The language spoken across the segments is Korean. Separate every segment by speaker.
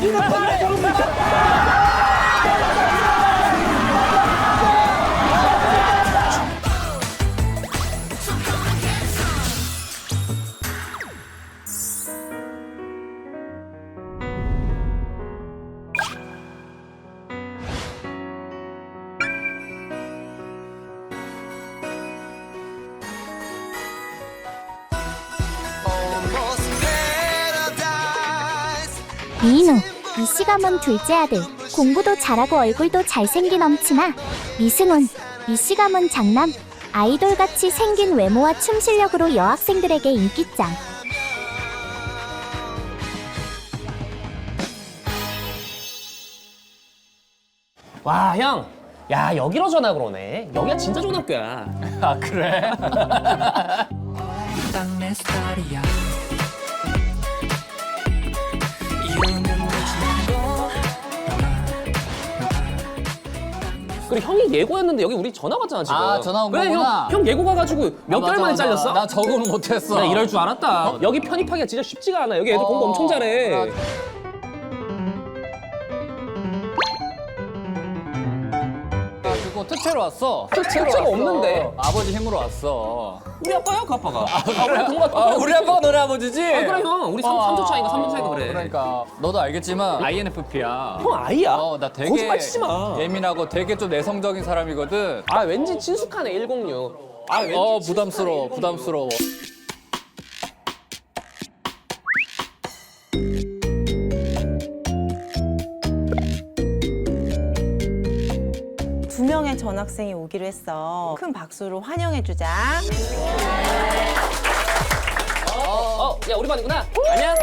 Speaker 1: 미인우, 미씨 가문 둘째 아들. 공부도 잘하고 얼굴도 잘생긴 엄친아. 미승훈, 미씨 가문 장남. 아이돌같이 생긴 외모와 춤 실력으로 여학생들에게 인기짱.
Speaker 2: 와, 형. 야, 여기로 전학 오네. 여기가 진짜 좋은 학교야.
Speaker 3: 아, 그래?
Speaker 4: 땅내 스타일이야. 이유는 묻지도
Speaker 2: 그리고 형이 예고였는데 여기 우리 전화 왔잖아, 지금.
Speaker 3: 아, 전화 온
Speaker 2: 그래,
Speaker 3: 거구나.
Speaker 2: 형 예고 가가지고 몇 개월
Speaker 3: 맞아,
Speaker 2: 만에
Speaker 3: 맞아.
Speaker 2: 잘렸어?
Speaker 3: 나 적응을 못했어.
Speaker 2: 나 이럴 줄 알았다. 여기 편입하기가 진짜 쉽지가 않아. 여기 애들 공부 엄청 잘해.
Speaker 3: 가지고 특채로 왔어.
Speaker 2: 특채가
Speaker 3: 왔어.
Speaker 2: 없는데?
Speaker 3: 아버지 힘으로 왔어.
Speaker 2: 우리 아빠야, 그 아빠가. 우리 동갑
Speaker 3: 우리 아빠가 너네 아버지지?
Speaker 2: 그래, 형. 우리 3주 차이가, 3주 차이가 그래.
Speaker 3: 그러니까 너도 알겠지만 INFP야.
Speaker 2: 형 아이야?
Speaker 3: 나 되게
Speaker 2: 거짓말 치지 마.
Speaker 3: 예민하고 되게 좀 내성적인 사람이거든.
Speaker 2: 아, 왠지 친숙하네, 106. 아, 왠지
Speaker 3: 부담스러워, 부담스러워.
Speaker 5: 두 명의 전학생이 오기로 했어. 큰 박수로 환영해주자.
Speaker 2: 야, 우리 반이구나. 안녕.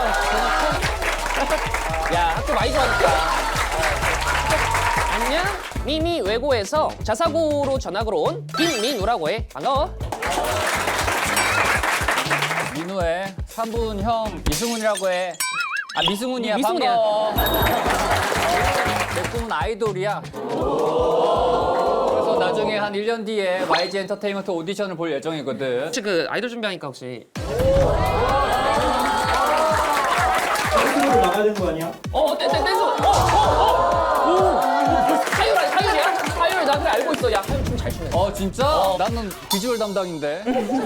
Speaker 2: 야, 학교 많이 좋아졌다. 안녕. 미미 외고에서 자사고로 전학으로 온 김민우라고 해. 반가워.
Speaker 3: 민우의 3분 형 이승훈이라고 해. 아, 미승훈이야.
Speaker 2: 미승훈이야.
Speaker 3: 반가워. 내 꿈은 아이돌이야. 그래서 나중에 한 1년 뒤에 YG 엔터테인먼트 오디션을 볼 예정이거든.
Speaker 2: 혹시 그 아이돌 준비하니까 혹시
Speaker 6: 댄스로 나가야 되는 거 아니야?
Speaker 2: 댄스. 사율이야? 사율 나 그래 알고 있어. 야, 사율 춤 잘 추네.
Speaker 3: 진짜? 나는 비주얼 담당인데.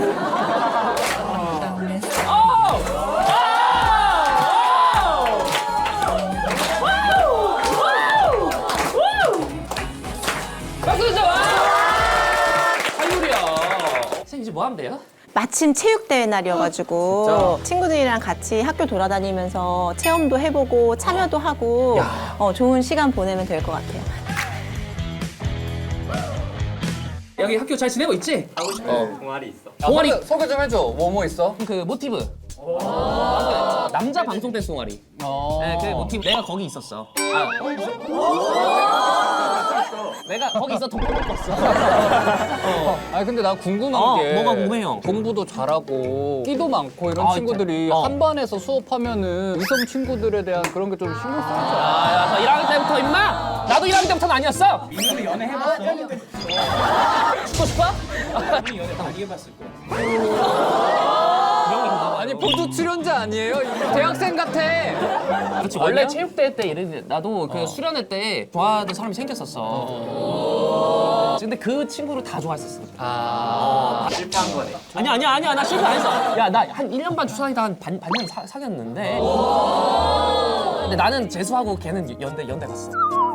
Speaker 2: 박수 주자. 와! 사율이야. 선생님 이제 뭐 하면 돼요?
Speaker 5: 마침 체육대회 날이어가지고 친구들이랑 같이 학교 돌아다니면서 체험도 해보고 참여도 하고 좋은 시간 보내면 될 것 같아요.
Speaker 2: 여기 학교 잘 지내고 있지?
Speaker 3: 동아리.
Speaker 2: 동아리.
Speaker 3: 소개 좀 해줘. 뭐 있어?
Speaker 2: 그 모티브. 남자 방송 댄스 동아리. 네, 그 모티브. 내가 거기 있었어. 내가 거기 있어 돈 먹었어.
Speaker 3: 아니 근데 나 궁금한 게
Speaker 2: 뭐가 궁금해, 형?
Speaker 3: 공부도 잘하고 끼도 많고 이런
Speaker 2: 아,
Speaker 3: 친구들이
Speaker 2: 진짜?
Speaker 3: 한 반에서 수업하면은 이성 친구들에 대한 그런 게 좀 신경 쓰이지 않아?
Speaker 2: 아, 저 1학년 때부터 임마. 나도 1학년 때부터는 아니었어.
Speaker 6: 민우는 연애 해봤어?
Speaker 2: 죽고 싶어?
Speaker 6: 민우 연애 많이 해봤을 거야.
Speaker 3: 아니 보조 출연자 아니에요? 대학생 같아.
Speaker 2: 그렇지. 원래 체육대회 때 예를 들어 나도 그 수련회 때 좋아하던 사람이 생겼었어. 근데 그 친구를 다 좋아했었어.
Speaker 6: 실패한 거네.
Speaker 2: 아니야. 나 실수 안 했어. 야, 나 한 1년 반 주사이다 한 반년 사귀었는데. 근데 나는 재수하고 걔는 연대 갔어.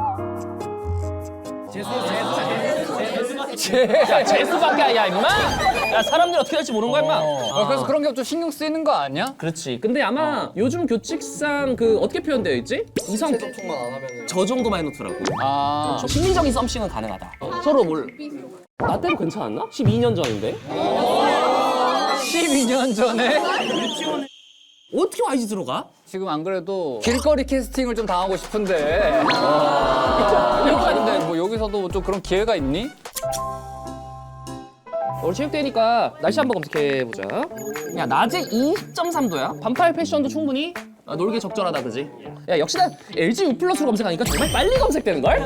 Speaker 2: 야, 재수밖에 아니야, 임마. 야, 사람들이 어떻게 될지 모르는 거야, 임마.
Speaker 3: 그래서 그런 게 좀 신경 쓰이는 거 아니야?
Speaker 2: 그렇지. 근데 아마 요즘 교칙상 그 어떻게 표현되어 있지? 이성 접촉만 안 하면 저 정도만 해놓더라고. 심리적인 썸씽은 가능하다. 서로 나 때도 괜찮았나? 12년 전인데?
Speaker 3: 12년 전에?
Speaker 2: 어떻게 YG 들어가?
Speaker 3: 지금 안 그래도 길거리 캐스팅을 좀 당하고 싶은데. 근데 뭐 여기서도 좀 그런 기회가 있니?
Speaker 2: 우리 체육대회니까 날씨 한번 검색해보자. 야, 낮에 20.3도야. 반팔 패션도 충분히 놀기 적절하다, 그지? 야, 역시 난 LG U 플러스로 검색하니까 정말 빨리 검색되는걸?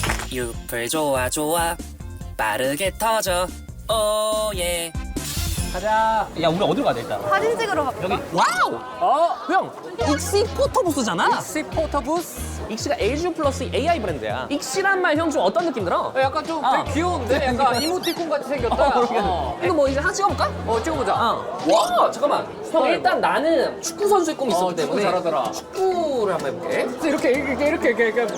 Speaker 4: 유플 좋아 빠르게 터져 오예
Speaker 3: 가자.
Speaker 2: 야 우리 어디로 가야 돼 일단?
Speaker 5: 사진 찍으러 가.
Speaker 2: 여기 와우! 형! 익시 포터부스잖아?
Speaker 3: 시 포터부스.
Speaker 2: 익시가 LG 플러스 AI 브랜드야. 익시란 말 형 좀 어떤 느낌 들어?
Speaker 3: 약간 좀 되게 귀여운데? 약간 이모티콘 같이 생겼다.
Speaker 2: 이거 뭐 이제 하나 찍어볼까?
Speaker 3: 찍어보자.
Speaker 2: 와 잠깐만 형 일단 나는 축구 선수의 꿈이 있었기
Speaker 3: 축구
Speaker 2: 때문에
Speaker 3: 잘하더라.
Speaker 2: 축구를 한번 해볼게.
Speaker 3: 이렇게.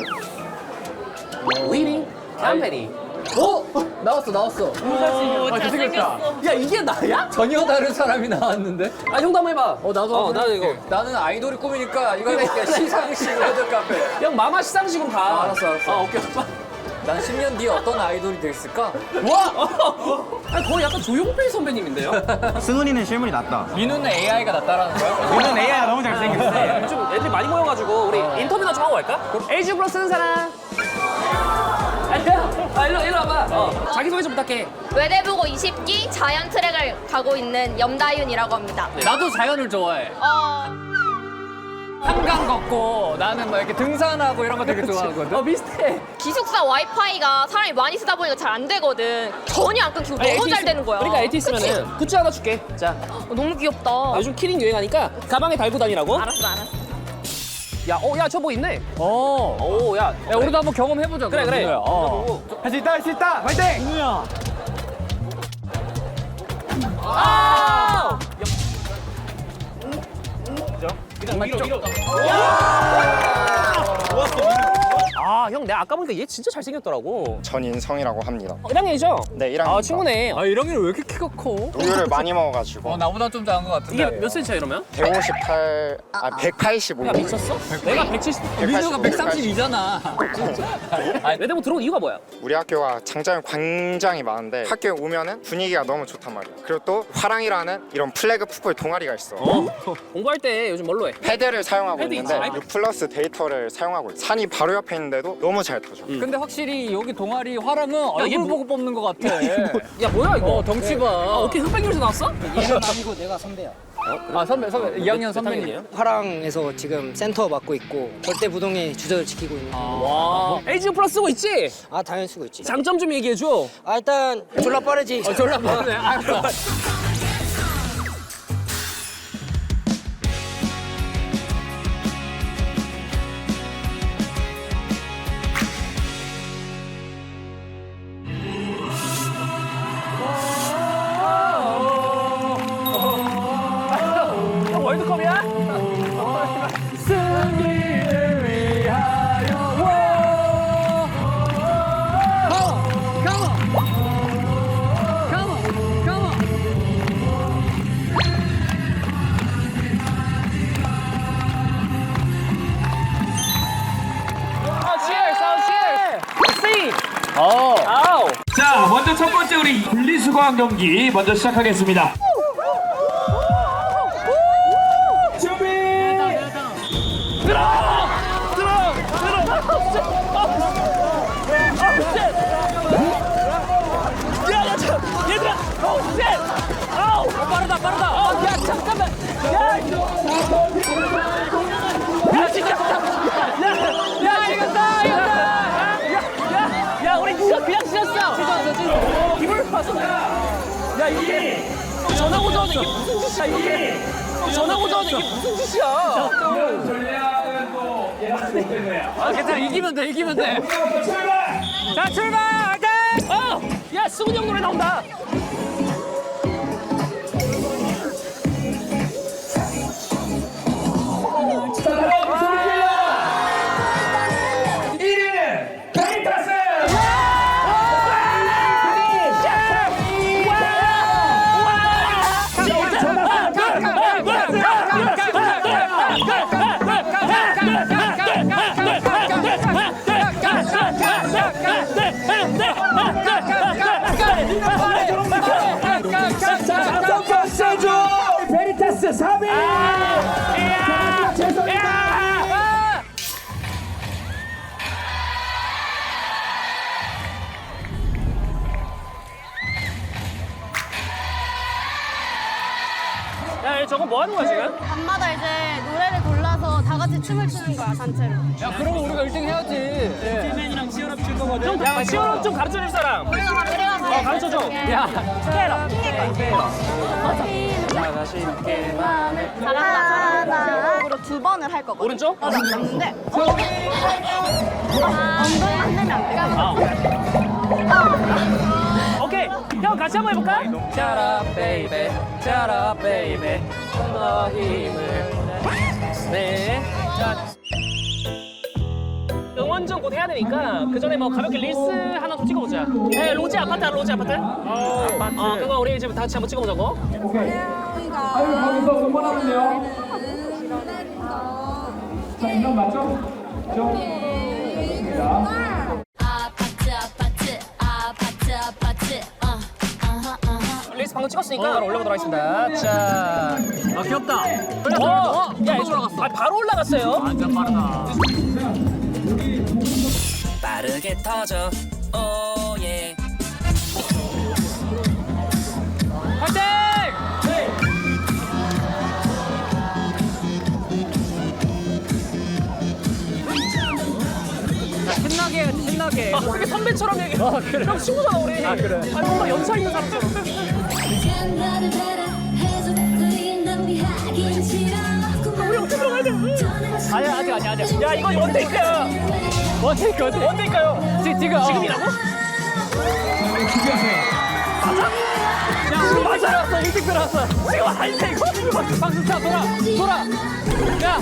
Speaker 2: 위닝 캠페니.
Speaker 3: 나왔어. 잘생겼다.
Speaker 2: 야 이게 나야?
Speaker 3: 전혀 다른 사람이 나왔는데?
Speaker 2: 아 형도 한번 해봐.
Speaker 3: 나도
Speaker 2: 나도 이거.
Speaker 3: 나는 아이돌이 꿈이니까 이거 할게. 시상식 레드 카페.
Speaker 2: 형 마마 시상식으로 가.
Speaker 3: 알았어.
Speaker 2: 오케이.
Speaker 3: 난 10년 뒤에 어떤 아이돌이 됐을까?
Speaker 2: 와! 아니, 거의 약간 조용필 선배님인데요?
Speaker 6: 승훈이는 실물이 낫다.
Speaker 3: 민우는 AI가 낫다라는 거야?
Speaker 6: 얘는 AI가 너무 잘생겼어.
Speaker 2: 좀 애들이 많이 모여가지고 우리 인터뷰나 좀 하고 갈까? LG 플러스 쓰는 사람. 일로 와봐. 자기소개 좀 부탁해.
Speaker 7: 외대부고 20기 자연 트랙을 가고 있는 염다윤이라고 합니다.
Speaker 3: 나도 자연을 좋아해. 한강 걷고 나는 막 이렇게 등산하고 이런 거 되게 좋아하거든.
Speaker 2: 비슷해.
Speaker 7: 기숙사 와이파이가 사람이 많이 쓰다 보니까 잘 안 되거든. 전혀 안 끊기고 너무 잘 되는 거야.
Speaker 2: 그러니까 LTE 쓰면은 굿즈 하나 줄게. 자,
Speaker 7: 너무 귀엽다.
Speaker 2: 요즘 키링 유행하니까 가방에 달고 다니라고.
Speaker 7: 알았어.
Speaker 2: 야, 저 뭐 있네. 야,
Speaker 3: 야, 우리도 한번 경험해보자.
Speaker 2: 그래.
Speaker 3: 민우야.
Speaker 6: 할 수 있다. 화이팅! 민우야.
Speaker 2: 형, 내가 아까 보니까 얘 진짜 잘생겼더라고.
Speaker 8: 전인성이라고 합니다.
Speaker 2: 1학년이죠?
Speaker 8: 네, 1학년입니다.
Speaker 2: 친구네.
Speaker 3: 아, 1학년이 왜 이렇게 키가 커?
Speaker 8: 우유를 많이 먹어가지고
Speaker 3: 나보다 좀 작은 것 같은데.
Speaker 2: 이게 몇 cm야 이러면?
Speaker 8: 185.
Speaker 2: 야, 미쳤어? 내가 170.
Speaker 3: 민우가 132잖아.
Speaker 2: 외대부 들어온 이유가 뭐야?
Speaker 8: 우리 학교가 장점이 굉장히 많은데 학교에 오면은 분위기가 너무 좋단 말이야. 그리고 또 화랑이라는 이런 플래그 풋볼 동아리가 있어.
Speaker 2: 공부할 때 요즘 뭘로 해?
Speaker 8: 패드를 사용하고
Speaker 2: 패드
Speaker 8: 있는데
Speaker 2: 있지.
Speaker 8: 6 플러스 데이터를 사용하고 있어. 산이 바로 옆에 있는데도 너무 잘 타줘.
Speaker 3: 근데 확실히 여기 동아리 화랑은 얼굴
Speaker 2: 얘 뭐-
Speaker 3: 보고 뽑는 것 같아.
Speaker 2: 야, 뭐야 이거?
Speaker 3: 덩치 봐.
Speaker 2: 어떻게 흑백요리에서 나왔어?
Speaker 9: 얘는 아니고 내가 선배야.
Speaker 3: 아, 선배. 2학년 선배님.
Speaker 9: 화랑에서 지금 센터 맡고 있고 절대 부동의 주저를 지키고 있는.
Speaker 2: 와. LG 플러스 쓰고 있지?
Speaker 9: 아 당연히 쓰고 있지.
Speaker 2: 장점 좀 얘기해줘.
Speaker 9: 아 일단 졸라 빠르지.
Speaker 3: 졸라 빠르네. 알았어.
Speaker 2: 월드컵이야?
Speaker 3: 승리를 위하여. Come on.
Speaker 2: cheers. 아우.
Speaker 6: 자, 먼저 첫 번째 우리 분리수거한 경기 먼저 시작하겠습니다. 준비!
Speaker 2: 얘들아! 빠르다! 야, 잠깐만! 야, 진짜! 야, 우리 진짜 그냥 찢었어! 이걸 봐서. 야, 이게! 전화 고정하는 이게 무슨 짓이야, 이게! 전화 고정하는 이게 무슨 짓이야!
Speaker 6: 전략은 또 예상치 못된 거야.
Speaker 3: 아, 괜찮아. 이기면 돼.
Speaker 6: 출발!
Speaker 2: 자, 출발! 화이팅! 야, 승훈이 형 노래 나온다!
Speaker 6: 자, 바로 소리 질러! 1위는 베리타스! 베리타스 3위! 죄송합니다.
Speaker 2: 야, 저거 뭐 하는 거야, 지금?
Speaker 7: 밤마다 이제 노래를 골라서 다 같이 춤을 추는 거야, 단체로.
Speaker 3: 야, 그러면 우리가 1등 해야지.
Speaker 6: 팀맨이랑 치열합 칠 거거든.
Speaker 2: 야, 시원한 좀 가르쳐 줄 사람.
Speaker 7: 우리가
Speaker 2: 가르쳐 줘. 스케일업.
Speaker 3: 야,
Speaker 5: 스케일업, 스케일업.
Speaker 2: 자가 쉽게 마음을.
Speaker 5: 잘한다. 으로 두 번을 할 거거든.
Speaker 2: 오른쪽?
Speaker 5: 맞는데 엉덩이 만들면 안 돼.
Speaker 2: 오케이. 형 같이 한번 해볼까?
Speaker 3: 짜라 베이베, 짜라 베이베, 너 힘을 내. 자,
Speaker 2: 응원 좀 곧 해야 되니까 그 전에 뭐 가볍게 릴스 하나 좀 찍어보자. 네, 로제 아파트 알아? 로제 아파트? 아파트. 그거 우리 이제 다 같이 한번 찍어보자고. 릴스 방금 찍었으니까 바로 올려보도록 하겠습니다. 자, 아 귀엽다. 야, 올라갔어. 아, 바로 올라갔어요. 완전 빠르다.
Speaker 4: 빠르게 터져 오예
Speaker 2: 화이팅!
Speaker 3: 신나게 해야지, 신나게.
Speaker 2: 아, 그게 선배처럼 얘기해. 아, 그래. 형 친구잖아, 우리. 아, 그래. 아니, 뭔가 연차 있는 사람처럼. 우리 어떻게 들어가야 돼? 아니야, 아직. 야, 이거 원테이크야.
Speaker 3: 원테이크, 원테이크.
Speaker 2: 원테이크요. 지금이라고?
Speaker 3: 야, 우리 맞아놨어, 일찍 들어왔어.
Speaker 2: 지금 아닌데, 이거?
Speaker 3: 박수 차, 돌아. 야.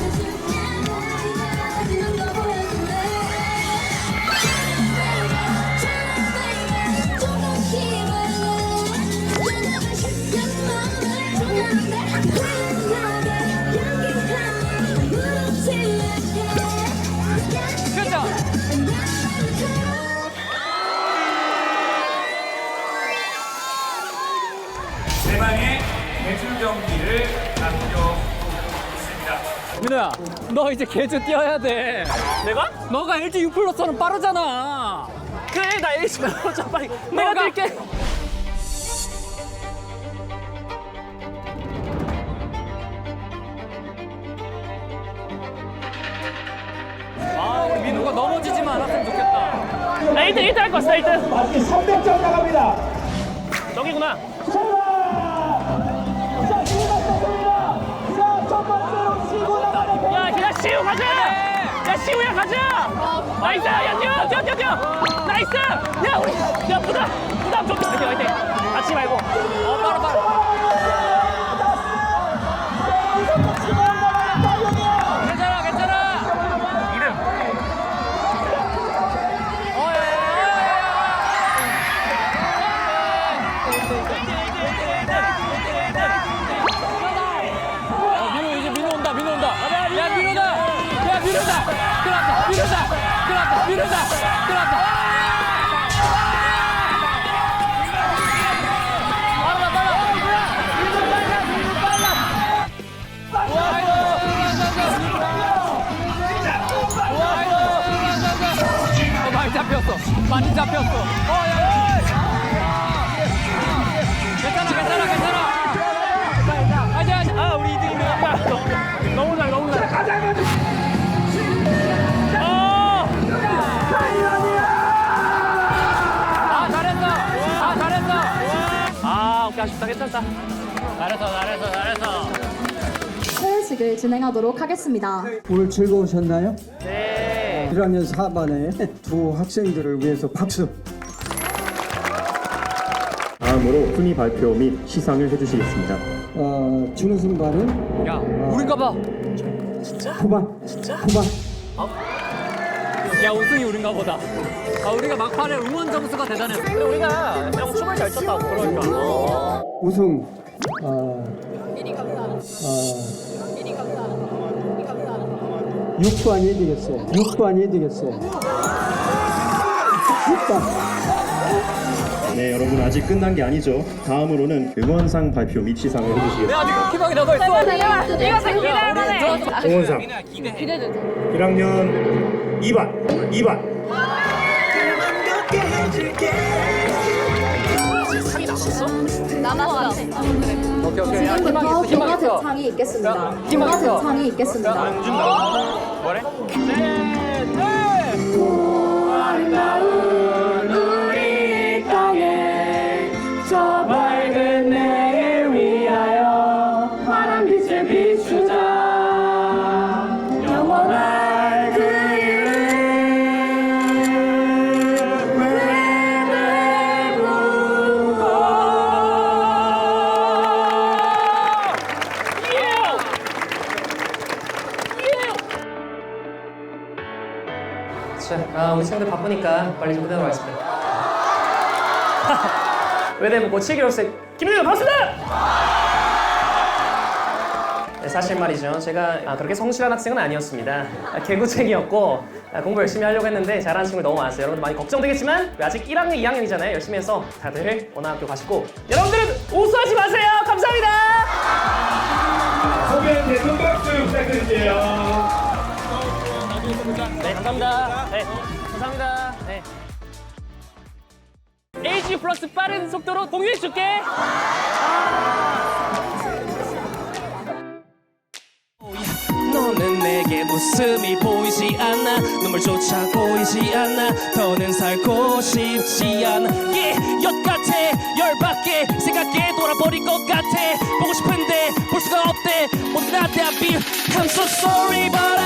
Speaker 3: 그렇죠.
Speaker 6: 대망의 대출 경기를 남겨있습니다.
Speaker 3: 민호야, 너 이제 개주 뛰어야 돼.
Speaker 2: 내가?
Speaker 3: 너가 LG U 플러스는 빠르잖아.
Speaker 2: 그래, 나 LG 자 빨리. 내가 뛸게.
Speaker 3: 아, 우리 민호가 넘어지지만 않았으면 좋겠다.
Speaker 2: 나 1등 할 거 있어, 1등.
Speaker 6: 마치 300점 나갑니다.
Speaker 2: 저기구나. 야, 시우 가자! 야, 시우야 가자! 나이스! 야, 뛰어! 나이스! 야, 우리, 야, 부담 좀. 화이팅! 다치지 말고.
Speaker 3: 빠르. 괜찮아.
Speaker 2: 이름.
Speaker 3: 민호 이제 민호 온다. 야, 민호다. 들어왔다. 많이 잡혔어. 야. 괜찮아. 하자.
Speaker 2: 아, 우리 2등이네. 너무 잘.
Speaker 3: 잘했어.
Speaker 2: 아, 오케이, 아쉽다. 괜찮다.
Speaker 3: 잘했어.
Speaker 10: 클래식을 진행하도록 하겠습니다.
Speaker 11: 오늘 즐거우셨나요?
Speaker 2: 네.
Speaker 11: 1학년 4반의 두 학생들을 위해서 박수.
Speaker 12: 다음으로 순위 발표 및 시상을 해주시겠습니다.
Speaker 11: 준우승 반은
Speaker 3: 야, 우린가 봐.
Speaker 11: 후반.
Speaker 3: 야, 우승이 우린가 보다. 우리가 막판에 응원 점수가 대단했어.
Speaker 2: 근데 우리가 그냥 춤을 잘 췄다고. 그러니까.
Speaker 11: 우승.
Speaker 10: 미리 감사합니다.
Speaker 11: 6반이 되겠어요. 6반.
Speaker 12: 네, 여러분 아직 끝난 게 아니죠. 다음으로는 응원상 발표 및 시상을 해주시겠습니다.
Speaker 3: 아직 희망이 남아있어.
Speaker 7: 이거 생기네.
Speaker 8: 응원상 1학년 2반.
Speaker 7: 남았어.
Speaker 3: 오케이. 야,
Speaker 10: 지금부터
Speaker 3: 희망
Speaker 10: 경화
Speaker 3: 있어.
Speaker 10: 대창이 있겠습니다.
Speaker 3: 희망
Speaker 10: 경화
Speaker 3: 있어.
Speaker 10: 대창이 있겠습니다.
Speaker 2: 뭐래?
Speaker 10: 아름다운 우리 땅에
Speaker 6: 우리 친구들 바쁘니까 빨리 좀 끝내도록 하겠습니다. 외대부 고치기로서의 김민규 반갑습니다! 네, 사실 말이죠. 제가 그렇게 성실한 학생은 아니었습니다. 개구쟁이였고 공부 열심히 하려고 했는데 잘하는 친구들 너무 많았어요. 여러분들 많이 걱정되겠지만 아직 1학년, 2학년이잖아요. 열심히 해서 다들 원하는 학교 가시고 여러분들은 우수하지 마세요. 감사합니다.
Speaker 12: 소개한 대선 박수 부탁드릴게요.
Speaker 6: 네, 감사합니다. 네, 감사합니다. 네. LG 플러스 빠른 속도로 공유해줄게.
Speaker 4: 너는 내게 웃음이 보이지 않아 눈물조차 보이지 않아 더는 살고 싶지 않아 엿 같아 열받게 생각해 돌아버릴 것 같아 보고 싶은데 볼 수가 없대 모두 다 대합이 I'm so sorry but